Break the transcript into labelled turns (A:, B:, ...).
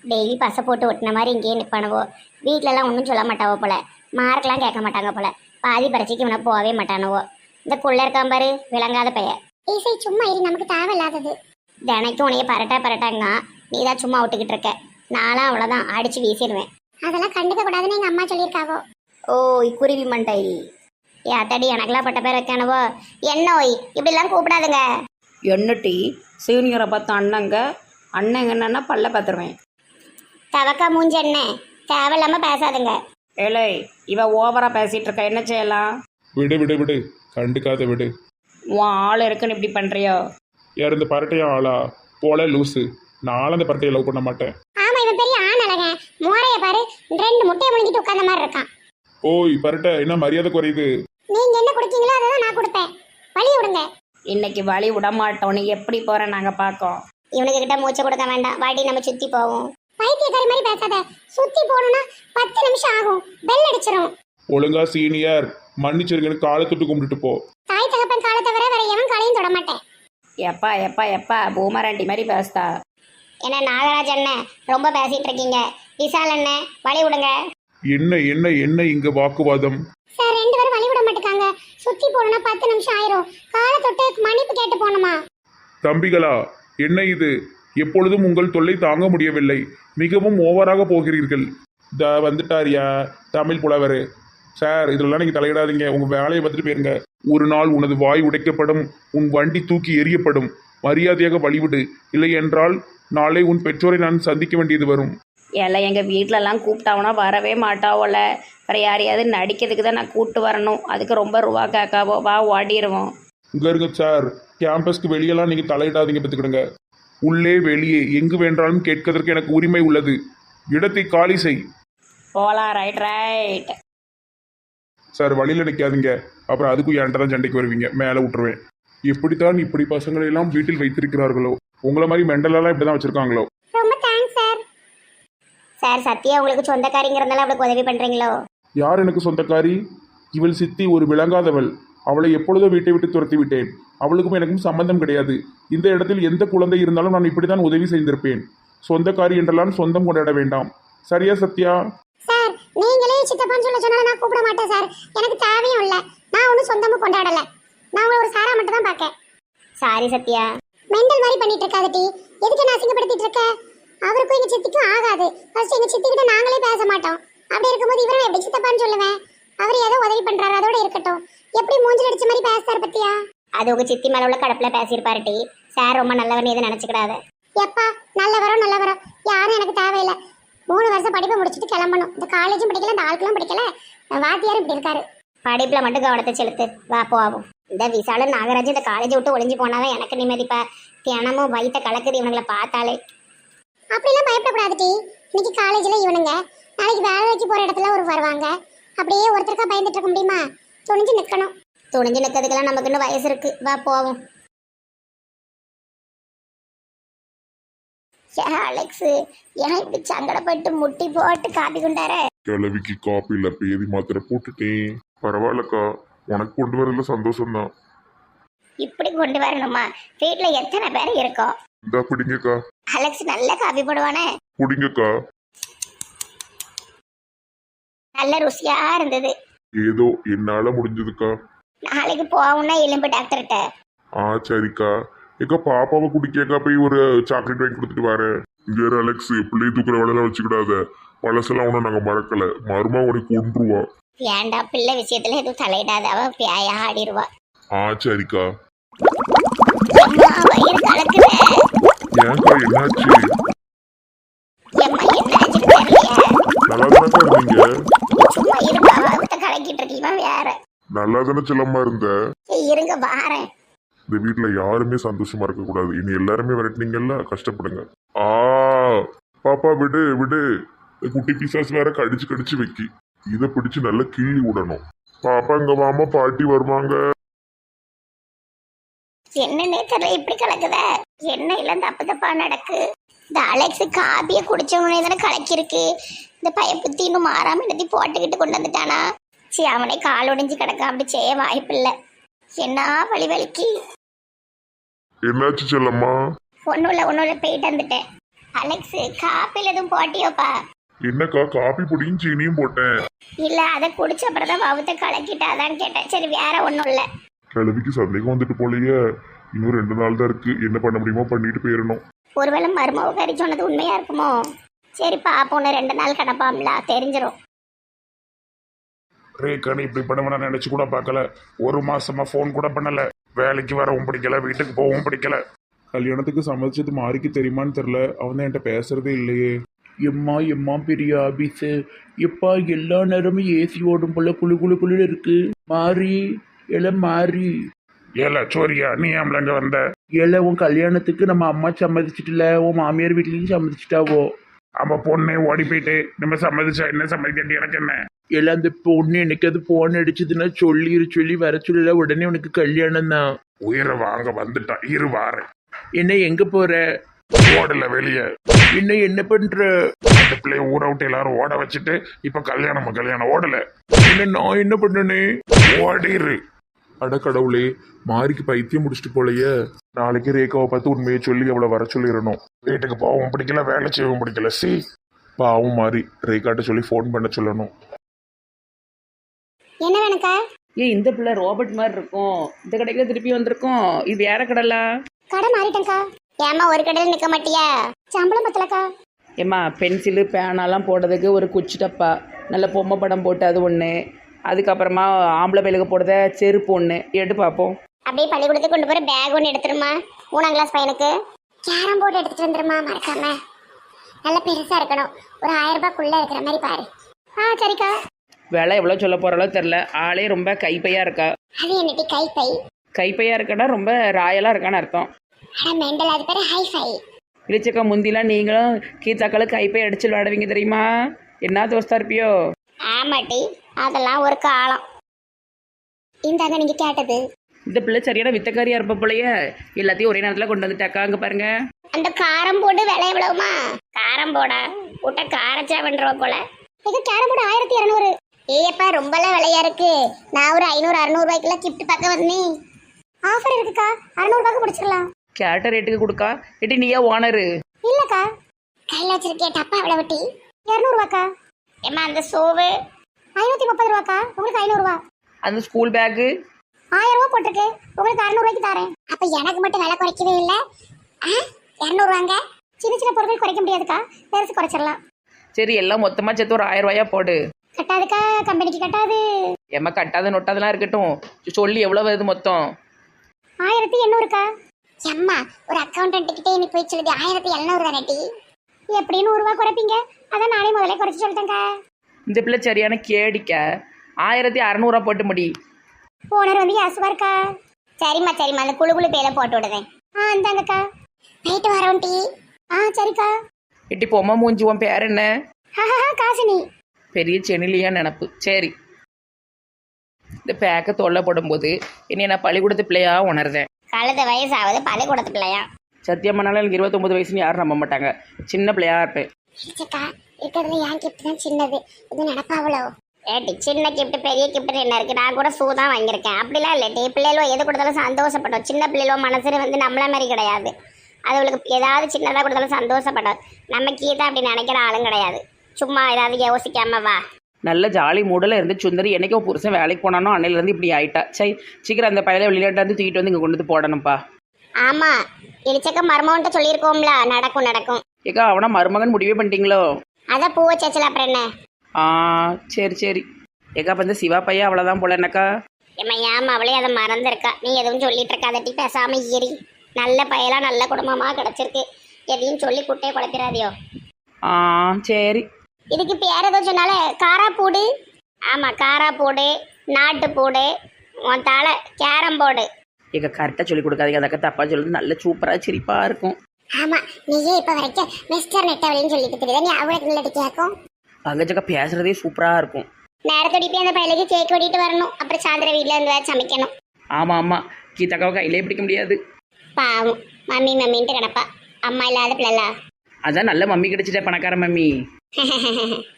A: Daily பசை போட்டு ஒட்டின மாதிரி இங்கேயே நிற்பானுவோ. வீட்டிலலாம் ஒன்றும் சொல்ல மாட்டாவோ போல, மார்க்கெலாம் கேட்க மாட்டாங்க போல. பாதி பரீட்சைக்கு இவனை போகவே மாட்டானுவோ. இந்த குள்ள இருக்கான் பாரு, விளங்காத பையன். இசை சும்மா இரு, நமக்கு தேவையில்லாதது. தினைக்கும் உனைய பரட்டாங்க, நீ தான் சும்மா விட்டுக்கிட்டு இருக்க. நானும் அவ்வளோதான் அடிச்சு வீசிடுவேன். அதெல்லாம் கண்டுக்க கூடாதுன்னு எங்கள் அம்மா சொல்லியிருக்காவோ. ஓ குருவி மண்டை ஏத்தாடி, எனக்கெல்லாம் பட்ட பேர் வைக்கானவோ. என்ன ஓய் இப்படிலாம் கூப்பிடாதுங்க.
B: என்ன டீ சீனியரை பார்த்து அண்ணங்க என்னன்னா பல்ல பார்த்துருவேன்.
A: தவக்கா மூஞ்ச என்ன, தேவையில்லாம பேசாதுங்க.
B: ஏலே இவ ஓவரா பேசிட்டு இருக்க, என்ன செய்யலாம்?
C: விடு விடு விடு, கண்டுக்காத விடு.
B: உன் ஆள் இருக்குன்னு இப்படி பண்றியோ?
C: யார் இந்த பரட்டையா ஆளா? போல லூசு. நானும் அந்த பரட்டையை லவ் பண்ண மாட்டேன்.
A: ஆமா, இவன் பெரிய ஆண் அழக. மோரைய பாரு, 2 முட்டையை முழுங்கிட்டு உட்கார்ந்த மாதிரி இருக்கான்.
C: ஓய் பரட்டை, என்ன மரியாதை குறையுது?
A: நீங்க என்ன குடிக்கீங்களோ அதை தான் நான் கொடுப்பேன். வழி விடுங்க.
B: இன்னைக்கு வழி விட மாட்டோம். நீ எப்படி போற நாங்க பாக்கோம்.
A: இவனுக்கு கிட்ட மூச்சை கொடுக்க வேண்டாம், வாடி நம்ம சுத்தி போவோம். பைத்தியக்காரி மாதிரி பேசாத. சுத்தி போகணும்னா 10 நிமிஷம் ஆகும், பெல் அடிச்சிரும்.
C: ஒழுங்கா சீனியர் மன்னிச்சிருங்கன்னு காலை தொட்டு கும்பிட்டுட்டு போ.
A: தாய் தகப்பன் காலை தவிர வேற எவன் காலையும் தொட மாட்டேன்.
B: எப்பா எப்பா எப்பா பூமராண்டி மாதிரி பேசுதா.
A: என்ன நாகராஜ் அண்ணன் ரொம்ப பேசிட்டு இருக்கீங்க. விசால் அண்ணன் வழி விடுங்க.
C: என்ன என்ன என்ன இங்க வாக்குவாதம்?
A: சார் 2 பேரும் வழி விட மாட்டேங்காங்க. சுத்தி போகணும்னா 10 நிமிஷம் ஆயிரும். காலை தொட்டு மன்னிப்பு கேட்டு போகணுமா?
C: தம்பிகளா, என்ன இது? எப்பொழுதும் உங்கள் தொல்லை தாங்க முடியவில்லை. மிகவும் ஓவராக போகிறீர்கள். வந்துட்டாரியா தமிழ் புலவர். சார் இதெல்லாம் நீங்கள் தலையிடாதீங்க, உங்கள் வேலையை பார்த்துட்டு போயிருங்க. ஒரு நாள் உனது வாய் உடைக்கப்படும், உன் வண்டி தூக்கி எறியப்படும். மரியாதையாக வழிவிடு, இல்லை என்றால் நாளை உன் பெற்றோரை நான் சந்திக்க வேண்டியது வரும்.
B: ஏல எங்கள் வீட்டிலலாம் கூப்பிட்டாவனா வரவே மாட்டாவோல. வேறு யாரையாவது நடிக்கிறதுக்கு தான் நான் கூப்பிட்டு வரணும். அதுக்கு ரொம்ப ரூபா கேட்காவோ. வா ஓடிடுவோம்.
C: இங்கே இருங்க சார், கேம்பஸ்க்கு வெளியெல்லாம் நீங்கள் தலையிடாதீங்க, பார்த்துக்கிடுங்க. உள்ளே வெளியே எங்கு வேண்டாலும் கேட்கறதற்கு எனக்கு உரிமை உள்ளது. இடத்தை காலி செய்.
B: போலாம். Right right.
C: சார் வழியில் நிற்காதீங்க, அப்புறம் அதுக்கும் என்கிட்ட தான் சண்டைக்கு வருவீங்க. மேலே விட்டுருவேன். எப்படித்தான் இப்படி பசங்களை எல்லாம் வீட்டில் வைத்திருக்கிறார்களோ, உங்களை மாதிரி மெண்டலெல்லாம் இப்படி தான் வச்சுருக்காங்களோ.
A: ரொம்ப தேங்க்ஸ் சார். சார் சத்யா உங்களுக்கு சொந்தக்காரிங்கிறதுனால அவளுக்கு உதவி பண்ணுறீங்களோ?
C: யார் எனக்கு சொந்தக்காரி? இவள் சித்தி ஒரு விளங்காதவள். அவளை எப்பொழுதோ வீட்டை விட்டு துரத்தி விட்டேன். அவளுக்கும் எனக்கும் சம்பந்தம் கிடையாது. இந்த இடத்தில் எந்த குழந்தை இருந்தாலும் நான் இப்படி தான் உதவி செய்திருப்பேன். சொந்தக்காரி என்றெல்லாம் சொந்தம் கொண்டாட வேண்டாம். சரியா சத்யா?
A: சார் நீங்களே சித்தப்பான்னு சொல்ல சொன்னாலும் நான் கூப்பிட மாட்டேன் சார். எனக்கு தேவையும் இல்லை. நான் ஒன்றும் சொந்தமும் கொண்டாடலை. நான் உங்களை ஒரு சாரா மட்டும் தான் பார்க்கேன். சாரி சத்யா. மெண்டல் மாதிரி பண்ணிட்டு இருக்காது டி. எதுக்கு நான் அசிங்கப்படுத்திட்டு இருக்க? அவருக்கும் எங்க சித்திக்கும் ஆகாது. ஃபர்ஸ்ட் எங்க சித்தி கிட்ட நாங்களே பேச மாட்டோம். அப்படி இருக்கும்போது இவரை எப்படி சித்தப்பான்னு சொல்லுவேன்? அவர் ஏதோ உதவி பண்றாரு, அதோட இருக்கட்டும். எப்படி மூஞ்சில் அடிச்ச மாதிரி பேசுறாரு பத்தியா? அது உங்க சித்தி மேல உள்ள கடப்புல பேசியிருப்பாரு டி. சார் ரொம்ப நல்லவர்னு எதுவும் நினைச்சுக்கிடாத. எப்பா நல்லவரோ யாரும் எனக்கு தேவையில்லை. 3 வருஷம் படிப்பை முடிச்சுட்டு கிளம்பணும். இந்த காலேஜும் படிக்கல, இந்த ஆட்களும் படிக்கல, வாத்தியாரும் இப்படி இருக்காரு. படிப்புல மட்டும் கவனத்தை செலுத்து. வா போவோம். இந்த விசாலும் நாகராஜ் இந்த காலேஜை விட்டு ஒளிஞ்சு போனாதான் எனக்கு நிம்மதிப்பா. தினமும் வயிற்ற கலக்குது இவனுங்களை பார்த்தாலே. அப்படிலாம் பயப்படக்கூடாது டி. இன்னைக்கு காலேஜில் இவனுங்க, நாளைக்கு வேலைக்கு போகிற இடத்துல ஒரு வருவாங்க. அப்படியே ஒருத்தருக்கா பயந்துட்டு இருக்க முடியுமா? துணிஞ்சு நிற்கணும். துணிஞ்சு நிற்கிறதுக்கெல்லாம் நமக்கு இன்னும் வயசு இருக்கு. வா போவோம். அலெக்ஸ் ஏன் இப்படி சங்கடப்பட்டு முட்டி போட்டு காப்பி கொண்டார?
D: கிழவிக்கு காப்பியில் பேதி மாத்திரை போட்டுட்டேன். பரவாயில்லக்கா, உனக்கு கொண்டு வரல சந்தோஷம்தான்.
A: இப்படி கொண்டு வரணுமா? வீட்டுல எத்தனை பேர் இருக்கோம்?
D: இந்தா பிடிங்கக்கா.
A: அலெக்ஸ் நல்ல காப்பி போடுவானே.
D: பிடிங்கக்கா.
A: நல்ல ருசியா இருந்தது.
D: ஏதோ என்னால முடிஞ்சதுக்கா.
A: நாளைக்கு போவோம்னா எலும்பு டாக்டர்கிட்ட.
D: சரிக்கா. ஏக்கா பாப்பாவை குடிக்கக்கா போய் ஒரு சாக்லேட் வாங்கி கொடுத்துட்டு வரேன். இங்க அலெக்ஸ், பிள்ளையை தூக்குற வேலையெல்லாம் வச்சுக்கிடாத. பழசெல்லாம் ஒன்றும் நாங்கள் மறக்கல. மருமா உனக்கு கொண்டுருவா.
A: ஏண்டா பிள்ளை விஷயத்துல எதுவும் தலையிடாத, அவ பியாயா ஆடிடுவா.
D: சரிக்கா.
A: வயிறு கலக்குது.
D: ஏன்க்கா என்னாச்சு?
A: எம்மா என்னாச்சு தெரியலையே.
D: நல்லா தானக்கா இருந்தீங்க?
A: சும்மா இருப்பா, அவத்த கலக்கிட்டு இருக்கீங்க வேற.
D: நல்லா தானே செல்லமா இருந்த?
A: இருங்க வாரேன்.
D: இந்த வீட்டுல யாருமே சந்தோஷமா இருக்க கூடாது. இனி எல்லாருமே விரட்டினீங்கல்ல, கஷ்டப்படுங்க. பாப்பா விடு விடு. குட்டி பிசாஸ் வேற கடிச்சு வைக்கி. இதை பிடிச்சு நல்லா கிள்ளி விடணும். பாப்பா இங்க வாமா, பாட்டி வருவாங்க.
A: என்னன்னே தெரியல, இப்படி கலக்குத. என்ன இல்ல தப்பா நடக்கு. இந்த அலெக்ஸ் காபியை குடிச்சவனே தானே கலக்கிருக்கு. இந்த பயப்புத்தி இன்னும் மாறாம என்னத்தி போட்டுக்கிட்டு கொண்டு வந்துட்டானா? சரி அவனே கால் ஒடிஞ்சு கிடக்க, அப்படி செய்ய வாய்ப்பில்லை. என்ன வலி வலிக்கு.
D: என்னாச்சு செல்லம்மா?
A: ஒன்றும் இல்லை போயிட்டு வந்துட்டேன். அலெக்ஸ் காப்பில எதுவும் போட்டியோப்பா?
D: என்னக்கா காப்பி பொடியும் சீனியும் போட்டேன்.
A: இல்ல அதை குடிச்ச அப்புறம் தான் வவுத்த கலக்கிட்டாதான்னு கேட்டேன். சரி வேற ஒண்ணும் இல்ல.
D: கிழவிக்கு சந்தேகம் வந்துட்டு போலயே. இன்னும் 2 நாள் தான் இருக்கு. என்ன பண்ண முடியுமோ பண்ணிட்டு போயிடணும்.
A: ஒருவேளை மருமக கறி சொன்னது உண்மையா இருக்குமோ? சரி பாப்போன்னு 2 நாள் கிடப்பாம்ல, தெரிஞ்சிடும்.
C: ரேக்கானு இப்படி பண்ணுவேன் நினைச்சு கூட பார்க்கல. 1 மாசமா ஃபோன் கூட பண்ணல. வேலைக்கு வரவும் பிடிக்கல, வீட்டுக்கு போகவும் பிடிக்கல. கல்யாணத்துக்கு சம்மதிச்சது மாறிக்கு தெரியுமான்னு தெரில. அவன் தான் என்கிட்ட பேசுறதே இல்லையே.
E: எம்மா பெரிய ஆபீஸு. எப்பா எல்லா நேரமும் ஏசி ஓடும் போல குளு குளு குளு இருக்கு. மாறி எல்லாம் மாறி
C: ஏல சோரியா, நீ ஏம்ல இங்க வந்த?
E: ஏல உன் கல்யாணத்துக்கு நம்ம அம்மா சம்மதிச்சிட்டுல, உன் மாமியார் வீட்லயும் சம்மதிச்சிட்டாவோ.
C: அவ பொண்ணே ஓடி போயிட்டு நம்ம சம்மதிச்சா என்ன, சம்மதிக்கட்டி எனக்கு என்ன?
E: எல்லாம் அந்த பொண்ணு எனக்கு அது போன் அடிச்சதுன்னா சொல்லி வர சொல்லல. உடனே உனக்கு கல்யாணம் தான்.
C: உயிரை வாங்க வந்துட்டா, இரு வாரேன்.
E: என்ன எங்க போற?
C: ஓடல வெளியே.
E: என்ன பண்ற?
C: அந்த பிள்ளைய ஊற விட்டு எல்லாரும் ஓட வச்சுட்டு இப்ப கல்யாணம் ஓடல.
E: என்ன நான் என்ன பண்ணனே?
C: ஓடிரு.
D: அட கடவுளே, மாறிக்கு பைத்தியம் முடிச்சிட்டு போலயே. நாளைக்கு ரேகாவை பார்த்து உண்மையை சொல்லி அவளை வர சொல்லிடணும்.
C: வீட்டுக்கு போகவும் பிடிக்கல, வேலை செய்யவும் பிடிக்கல.
D: பாவம் மாறி ரேகாட்ட சொல்லி ஃபோன் பண்ண சொல்லணும்.
A: என்ன வேணுக்கா?
B: ஏன் இந்த பிள்ளை ரோபோட் மாதிரி இருக்கும். இந்த கடைக்கு தான் திருப்பி வந்திருக்கோம். இது வேற கடைலா?
A: கடை மாறிட்டேன்க்கா. ஏமா ஒரு கடையில் நிக்க மாட்டியா? சம்பளம் பத்தலக்கா.
B: ஏம்மா பென்சிலு பேனாலாம் போடுறதுக்கு ஒரு குச்சி டப்பா, நல்ல பொம்மை படம் போட்டு அது ஒன்று, அதுக்கப்புறமா ஆம்பளை பையலுக்கு போடுறத செருப்பு ஒன்று எடுத்து பார்ப்போம்.
A: அப்படியே பள்ளிக்கூடத்துக்கு கொண்டு போற பேக் ஒன்று எடுத்துருமா. 3ஆம் கிளாஸ் பையனுக்கு கேரம் போர்டு எடுத்துட்டு வந்துருமா மறக்காம. நல்ல பெருசா இருக்கணும். ஒரு 1000 ரூபாய்க்குள்ள இருக்கிற மாதிரி பாரு. சரிக்கா.
B: விலை எவ்வளோ சொல்ல போகிறாலோ தெரில. ஆளே ரொம்ப கைப்பையாக இருக்கா.
A: அது என்னட்டி கைப்பை?
B: கைப்பையாக இருக்கான்னா ரொம்ப ராயலாக இருக்கான்னு அர்த்தம்.
A: மெண்டல், அது பேரு ஹைஃபை.
B: இடிச்சக்கா முந்திலாம் நீங்களும் கீத்தாக்களும் கைப்பை அடிச்சு விளையாடுவீங்க தெரியுமா? என்ன தோஸ்தா இருப்பியோ?
A: ஆமாட்டி, அதெல்லாம் ஒரு காலம். இந்தாங்க நீங்க கேட்டது.
B: இந்த பிள்ளை சரியான வித்தக்காரியா இருப்ப போலயே. எல்லாத்தையும் ஒரே நேரத்தில் கொண்டு வந்துட்டாக்கா. அங்கே பாருங்க.
A: அந்த காரம் போர்டு விலை எவ்வளவுமா? காரம் போர்டா கூட்ட காரச்சா பண்றவ போல. இது கேரம் போர்டு 1200. ஏப்பா ரொம்பலாம் விலையா இருக்கு. நான் ஒரு 500-600 ரூபாய்க்குள்ள கிஃப்ட் பார்க்க வந்தேன். ஆஃபர் இருக்குக்கா, 600 ரூபாய்க்கு முடிச்சிடலாம்.
B: கேட்ட ரேட்டுக்கு கொடுக்கா. எட்டி நீயா ஓனரு?
A: இல்லக்கா, கையில வச்சிருக்கே டப்பா எவ்வளவு வட்டி? 200 ரூபாக்கா. ஏமா அந்த சோவு 530 ரூபாக்கா. உங்களுக்கு 500 ரூபா.
B: அந்த ஸ்கூல் பேக்கு
A: 1000 ரூபா போட்டிருக்கு. உங்களுக்கு 600 ரூபாய்க்கு தரேன். அப்ப எனக்கு மட்டும் விலை குறைக்கவே இல்ல. 200 ரூபாங்க. சின்ன பொருட்கள் குறைக்க முடியாதுக்கா, பெருசு குறைச்சிடலாம்.
B: சரி, எல்லாம் மொத்தமா சேர்த்து ஒரு 1000 ரூபாயா போடு.
A: கட்டாதுக்கா, கம்பெனிக்கு கட்டாது.
B: ஏம்மா கட்டாத நொட்டாதெல்லாம் இருக்கட்டும். சொல்லி எவ்வளோ வருது மொத்தம்?
A: 1800க்கா. அம்மா ஒரு அக்கௌண்டன்ட் கிட்டே நீ போய் சொல்லுது 1700 தானே. எப்படி 100 ரூபா குறைப்பீங்க? அதான் நானே முதல்ல குறைச்சு சொல்லிட்டேங்க.
B: இந்த பிள்ளை சரியான கேடிக்க. 1600 போட்டு முடி.
A: ஓனர் வந்து யாசுவா இருக்கா. சரிம்மா அந்த குழு பேல போட்டு விடுதேன். இந்தாங்கக்கா. நைட்டு வரோம் டீ. சரிக்கா.
B: எட்டி பொம்மை மூஞ்சி, உன் பேர் என்ன?
A: காசினி.
B: பெரிய சென்னிலியா நினப்பு. சரி, இந்த பேக்கை தொல்லை போடும்போது என்னை நான் பள்ளிக்கூடத்து பிள்ளையா உணர்ந்தேன்.
A: கழுத வயசாவது பள்ளிக்கூடத்து பிள்ளையா?
B: சத்தியமானாலும் எனக்கு 29 வயசுன்னு யாரும் நம்ப மாட்டாங்க. சின்ன பிள்ளையா இருப்பேன்.
A: இல்லக்கா, இருக்கிறதுல என் கிஃப்ட் தான் சின்னது. இது நடப்பாவளோ? ஏட்டி சின்ன கிஃப்ட் பெரிய கிஃப்ட் என்ன இருக்கு? நான் கூட ஷூ தான் வாங்கியிருக்கேன். அப்படிலாம் இல்லட்டி, பிள்ளைகளோ எது கொடுத்தாலும் சந்தோஷப்படும். சின்ன பிள்ளைகளோ மனசுல வந்து நம்மள மாதிரி கிடையாது. அதுகளுக்கு ஏதாவது சின்னதாக கொடுத்தாலும் சந்தோஷப்படும். நம்ம கீதா அப்படி நினைக்கிற ஆளும் கிடையாது. சும்மா ஏதாவது யோசிக்காம வா.
B: நல்ல ஜாலி மூடல இருந்து சுந்தரி என்னைக்கோ புருஷன் வேலைக்கு போனானோ அன்னையிலேருந்து இப்படி ஆயிட்டா. சரி, சீக்கிரம் அந்த பையில வெளியிட்டாந்து தூக்கிட்டு வந்து இங்கே கொண்டு வந்து போடணும்ப்பா.
A: ஆமா, இடிச்சக்க மருமகன்ட்ட சொல்லியிருக்கோம்ல, நடக்கும்.
B: ஏக்கா அவனா மருமகன் முடிவே பண்ணிட்டீங்களோ?
A: அதான் பூவை சேச்சல அப்புறம் என்ன?
B: சரி. ஏக்கா அப்போ இந்த சிவா பையன் அவ்வளோதான் போல என்னக்கா?
A: ஏமா அவளே அதை மறந்துருக்கா. நீ எதுவும் சொல்லிட்டு இருக்காதட்டி, பேசாம ஏறி. நல்ல பையலா நல்ல குடும்பமா கிடைச்சிருக்கு. எதையும் சொல்லி குட்டையை குழப்பிடாதியோ.
B: சரி.
A: இதுக்கு பேர் ஏதோ சொன்னால காராப்பூடு. ஆமா, காராப்பூடு, நாட்டுப்பூடு, உன் தலை கேரம் போர்டு.
B: ஏக்கா கரெக்டாக சொல்லி கொடுக்காதீங்க. அதக்கா தப்பா சொல்லுது. நல்ல சூப்பராக சிரிப்பாக இருக்கும்.
A: ஆமா, நீயே இப்ப வரைக்கும் மிஸ்டர் நெட்டவழின்னு சொல்லிட்டு தெரியுதா? நீ அவளுக்கு நல்லடி கேட்கும்.
B: பங்கஜக்கா பேசுறதே சூப்பராக இருக்கும்.
A: நேரத்தோடி போய் அந்த பையலுக்கு கேக் வெட்டிட்டு வரணும். அப்புறம் சாயந்தரம் வீட்டில் இருந்து சமைக்கணும்.
B: ஆமாம், கீதாக்காவை கையிலே பிடிக்க முடியாது.
A: பாவம், மம்மின்ட்டு கிடப்பா. அம்மா இல்லாத பிள்ளைல.
B: அதான் நல்ல மம்மி கிடைச்சிட்டா, பணக்கார மம்மி.